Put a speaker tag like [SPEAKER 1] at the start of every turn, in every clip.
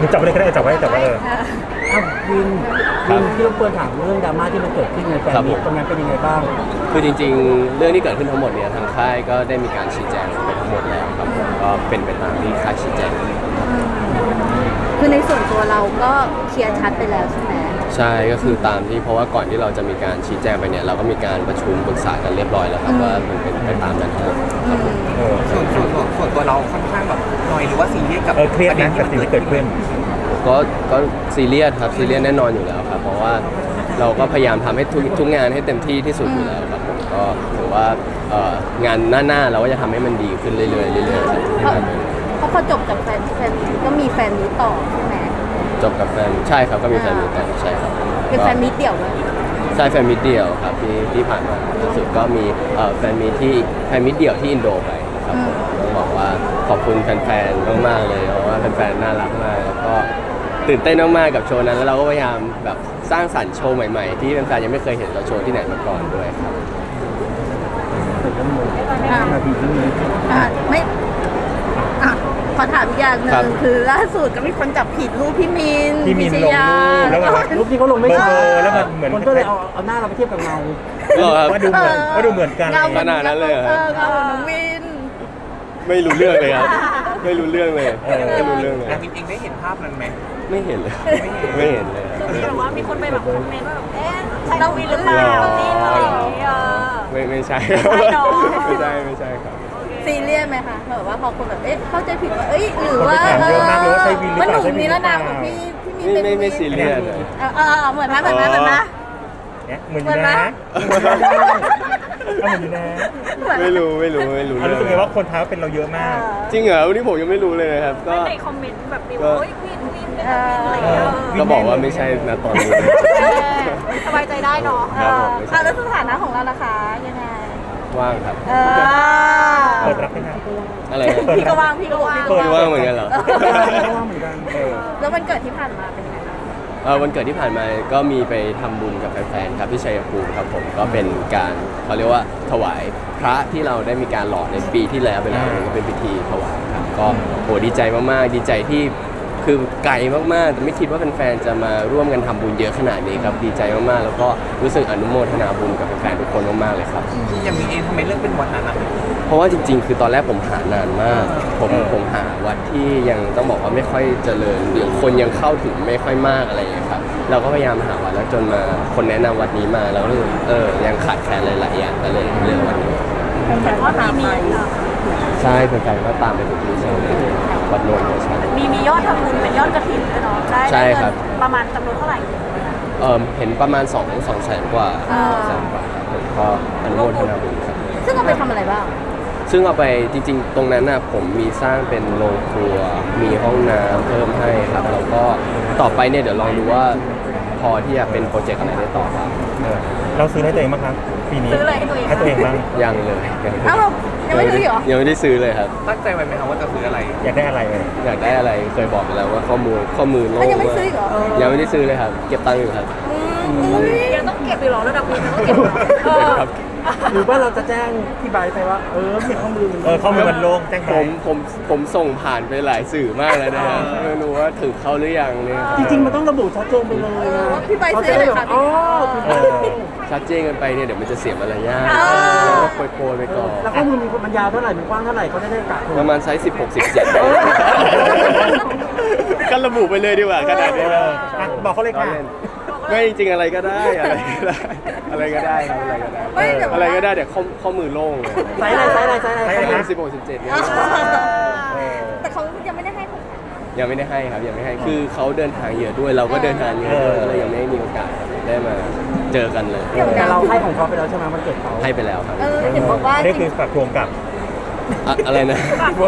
[SPEAKER 1] จับไปเลยก็ได้จับไว้
[SPEAKER 2] อ้าววินที่รบกวนถามเรื่องดราม่าที่มันเกิดขึ้นในแฟนมิตรตรงนั้นเป็นยังไงบ้าง
[SPEAKER 3] คือจริงๆเรื่องที่เกิดขึ้นทั้งหมดเนี่ยทางค่ายก็ได้มีการชี้แจงไปทั้งหมดแล้วครับผมก็เป็นไปตามที่ค่ายชี้แจง
[SPEAKER 4] คือในส่วนตัวเราก็เคลียร์ชัดไปแล้วใช่ไหม
[SPEAKER 3] ใช่ก็คือตามที่เพราะว่าก่อนที่เราจะมีการชี้แจงไปเนี่ยเราก็มีการประชุมปรึกษากันเรียบร้อยแล้วครับว่ามันเป็นไปตามนั้นครับ
[SPEAKER 5] ส่วนตัวเราค่อนข้างแบบหน่อยหรือว่าซีเรียสกับ
[SPEAKER 1] เครียดนะกับสิ่งที่เกิดขึ้น
[SPEAKER 3] ก็ซีเรียสครับซีเรียสแน่นอนอยู่แล้วครับเพราะว่าเราก็พยายามทำให้ทุกงานให้เต็มที่ที่สุดอยู่แล้วครับผมก็ถือว่างานหน้าเราก็จะทำให้มันดีขึ้นเรื่อยๆเรื่อยๆครับ
[SPEAKER 4] เพราะพอจบจากแฟนก็มีแฟนมีต่อใช่ไหม
[SPEAKER 3] จบกับแฟนใช่ครับก็มีแฟนมีต่อใช่ครับ
[SPEAKER 4] เป็นแฟนมีเดี่ยวเลย
[SPEAKER 3] ใช่แฟนมิตเดี่ยวครับที่ผ่านมาล่าสุดก็มีแฟนมิตเดี่ยวที่อินโดไปครับผมต้องบอกว่าขอบคุณแฟนๆมากๆเลยเพราะว่าแฟนๆน่ารักมากแล้วก็ตื่นเต้นมากๆกับโชว์นั้นแล้วเราก็พยายามแบบสร้างสรรค์โชว์ใหม่ๆที่แฟนๆยังไม่เคยเห็นเราโชว์ที่ไหนมาก่อนด้วยครับ
[SPEAKER 4] ไม่ขอถามอีกอย่างหนึ่งคือล่าสุดก็มีคนจับผิดรูปพี่มิน
[SPEAKER 1] พิชยา
[SPEAKER 2] แล้วรูปที่เขาลงไม่ใช่
[SPEAKER 1] แล้วมันเหมือน
[SPEAKER 2] คนก็เลยเอาหน้าเราไปเทียบกับเงา
[SPEAKER 1] ว่าดูเหมือนกัน
[SPEAKER 3] ขนาดนั้นเลย
[SPEAKER 4] เงาน้องวิน
[SPEAKER 3] ไม่รู้เรื่องเลยครับไม่รู้เรื่องเลยไม่รู้เรื่องเลย
[SPEAKER 5] จริงๆได้เห็นภาพนั้นไหม
[SPEAKER 3] ไม่เห็นเลยไม่เห็นเลย
[SPEAKER 4] คือแบบว่ามีคนไปแบบคอมเมนต์ว่าแบบใช่น้องวินหรือเปล่านี่อะไรอย่างเงี้ย
[SPEAKER 3] ไม่ใช่ไม่ใช่ครับ
[SPEAKER 4] ซีเรียสไหมคะแบบว่าพอคนแบบเข้าใจผิดว่าหรือว่ามันหนุ่มนิรนามของพี่มี
[SPEAKER 3] ไม่ซีเรียสเลย
[SPEAKER 4] เหมือนนะเหมือนนะ
[SPEAKER 3] ไม่รู้
[SPEAKER 1] รู้สึกไงว่าคนท้าเป็นเราเยอะมาก
[SPEAKER 3] จริงเหรอวันนี้ผมยังไม่รู้เลยนะครับก็
[SPEAKER 4] ในคอมเมนต์แบบนี้ว่าวินอะไรอย่างเงี้ย
[SPEAKER 3] ก็บอกว่าไม่ใช่นะตอนนี้
[SPEAKER 4] สบายใจได้เนาะแล้วสถานะของเราล่ะคะยังไง
[SPEAKER 3] ว่างครับ
[SPEAKER 1] เปิดรับไหมครับ
[SPEAKER 3] อะไร
[SPEAKER 4] พี่ก็ว่าง
[SPEAKER 3] ว่างเหมือนกันเหรอ
[SPEAKER 2] ว่างเหมือนกัน
[SPEAKER 4] แล้ววันเกิดที่ผ่านมาเป็นยังไง
[SPEAKER 3] วันเกิดที่ผ่านมาก็มีไปทำบุญกับแฟนๆครับที่ชัยภูมิครับผมก็เป็นการเขาเรียกว่าถวายพระที่เราได้มีการหล่อในปีที่แล้วไปแล้วก็เป็นพิธีถวายครับก็โหดีใจมากๆดีใจที่คือไกลมากๆแต่ไม่คิดว่าแฟนๆจะมาร่วมกันทำบุญเยอะขนาดนี้ครับดีใจมากๆแล้วก็รู้สึกอนุโมทนาบุญกับแฟนๆทุกคนมากๆเลยครับ
[SPEAKER 5] ที่ยังมีเองทำไมเลือกเป็นวัดนั้น
[SPEAKER 3] เพราะว่าจริงๆคือตอนแรกผมหานานมากผมหาวัดที่ยังต้องบอกว่าไม่ค่อยเจริญหรือคนยังเข้าถึงไม่ค่อยมากอะไรอย่างเงี้ยครับเราก็พยายามหาวัดแล้วจนมาคนแนะนำวัดนี้มาแล้วก็ยังขาดแคลนหลายๆอย่างก็เลยเลือกวัดนี้
[SPEAKER 4] แต่ว่ามี
[SPEAKER 3] ใช่แฟนๆก็ตามไปทุกที่ใช่วัดโนนท์ใช่
[SPEAKER 4] มียอดทำบุญเป็นยอดกฐินด้วยเนาะ
[SPEAKER 3] ใช่ครับ
[SPEAKER 4] ประมาณจำนวนเท่าไหร่
[SPEAKER 3] เห็นประมาณ2แสนกว่าผมก็อนุโมทนาบุญครับ
[SPEAKER 4] ซึ่งเอาไปทำอะไรบ้าง
[SPEAKER 3] ซึ่งเอาไปจริงๆตรงนั้นน่ะผมมีสร้างเป็นโรงครัวมีห้องน้ำเพิ่มให้ครับแล้วก็ต่อไปเนี่ยเดี๋ยวลองดูว่าพอที่จะเป็นโปรเจกต์อะไรได้ต่อครับ
[SPEAKER 1] เราซื้อให้ตัวเองบ้างครับปีนี้
[SPEAKER 4] ซื้อเลย
[SPEAKER 1] ให้ตัวเองบ้าง
[SPEAKER 3] ยังเลย
[SPEAKER 4] ยังไม่ซื้อเหรอ
[SPEAKER 3] ยังไม่ได้ซื้อเลยครับ
[SPEAKER 5] ตั้งใจไว้ไหมครับว่าจะซื้ออะไร
[SPEAKER 1] อยากได้อะไร
[SPEAKER 3] อยากได้อะไรเคยบอกไปแล้วว่าข้อมูลโลก
[SPEAKER 4] ยังไม่ซื้อเหรอ
[SPEAKER 3] ยังไม่ได้ซื้อเลยครับเก็บตังค์อยู่ครับ
[SPEAKER 4] ยังต้องเก็บอยู่หรอระดับนี้ต้องเก็บ
[SPEAKER 3] ครับ
[SPEAKER 2] หรือว่าเราจะแจ้งที่ใบไปว่ามีข้อมูล
[SPEAKER 1] มันโล่งแจ้ง
[SPEAKER 3] ผมส่งผ่านไปหลายสื่อมากแล้วนะครับไม่รู้ว่าถึงเขาหรือยังเนี่ย
[SPEAKER 2] จริงๆมันต้องระบุชัดเจนไปเลย
[SPEAKER 4] พี่ใบซื้อเลยค่ะ
[SPEAKER 3] ชัดเจนกันไปเนี่ยเดี๋ยวมันจะเสียมารยาทโปรยไปก่อน
[SPEAKER 2] แล้วข้อมูลมันยาวเท่าไหร่มันกว้างเท่าไหร่เขาได้กะ
[SPEAKER 3] ประมาณไซส์16-17ก็ระบุไปเลยดีกว่าขนาดนี้
[SPEAKER 1] บอกเขาเลยค่ะ
[SPEAKER 3] ไม่จริงอะไรก็ได้อะไรก็ได้อะไรก็ได้เดี๋ยวข้อมือโล่ง
[SPEAKER 2] ไซส์อะไร
[SPEAKER 3] 16-17เนี่ย
[SPEAKER 4] แต่เขายังไม่ได้ให้ผม
[SPEAKER 3] ยังไม่ได้ให้ครับยังไม่ให้คือเขาเดินทางเยอะด้วยเราก็เดินทางเยอะด้วยก็เลยยังไม่มีโอกาสได้มาเจอกันเลย
[SPEAKER 2] แต่เราให้ของเขาไปแล้วใช่ไหมมันเกิดเขา
[SPEAKER 3] ให้ไปแล้วครับ
[SPEAKER 4] เห็นบอกว่า
[SPEAKER 1] นี่คือฝากทวงกับ
[SPEAKER 3] อะไรนะ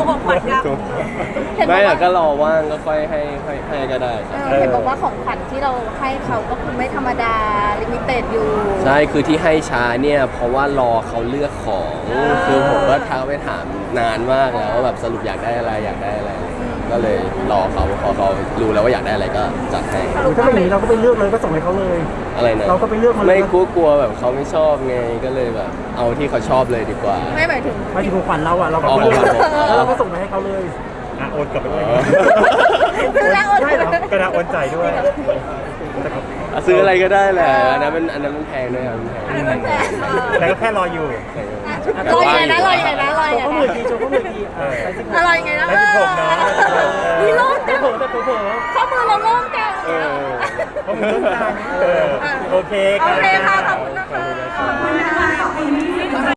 [SPEAKER 3] ไม่หรอกก็รอว่างก็ค่อยให้ก็ได้
[SPEAKER 4] เห็นบอกว่าของขวัญที่เราให้เขาก็คือไม่ธรรมดาลิมิเต็ดอยู่
[SPEAKER 3] ใช่คือที่ให้ช้าเนี่ยเพราะว่ารอเขาเลือกของคือผมก็ทักไปถามนานมากแล้วว่าแบบสรุปอยากได้อะไรก็เลยรอเขาพอเขารู้แล้วว่าอยากได้อะไรก็จัดให้
[SPEAKER 2] ถ้าเป็นอย่างนี้เราก็ไปเลือกเลยก็ส่งให้เขาเลย
[SPEAKER 3] อะไรนะ
[SPEAKER 2] เราก็ไปเลือกมา
[SPEAKER 3] ไม่กลัวแบบเขาไม่ชอบไงก็เลยแบบเอาที่เขาชอบเลยดีกว่า
[SPEAKER 4] ไม่หมายถึง
[SPEAKER 2] ของขวัญเราก็ส่งไปให้เขาเลย
[SPEAKER 1] โอนกลับไปด้วย
[SPEAKER 4] ซื้อแล้วโอน
[SPEAKER 1] ได้เหรอกระดาษโอนจ่ายด้วย
[SPEAKER 3] ซื้ออะไรก็ได้แหละอันนั้นมันแพงด้วยครับมันแพง
[SPEAKER 4] อันนั้นแจก
[SPEAKER 1] แล้วก็แค่รออยู่
[SPEAKER 4] รอยังไงนะรอยังไงนะรอยังไง
[SPEAKER 2] โชว์ข้อมือทีโชว์ข้อมือทีไปสิ
[SPEAKER 4] รอยังไงนะ
[SPEAKER 1] ได้16เนอะ
[SPEAKER 4] มีโล่งจัง
[SPEAKER 2] เผลอแต่เผลอ
[SPEAKER 4] ข้อมือเราโล่งจัง
[SPEAKER 1] เพราะมันต้องการโอเค
[SPEAKER 4] โอเคค่ะ
[SPEAKER 1] ค่ะ
[SPEAKER 4] ขอบคุณนะคะขอบคุณนะคะ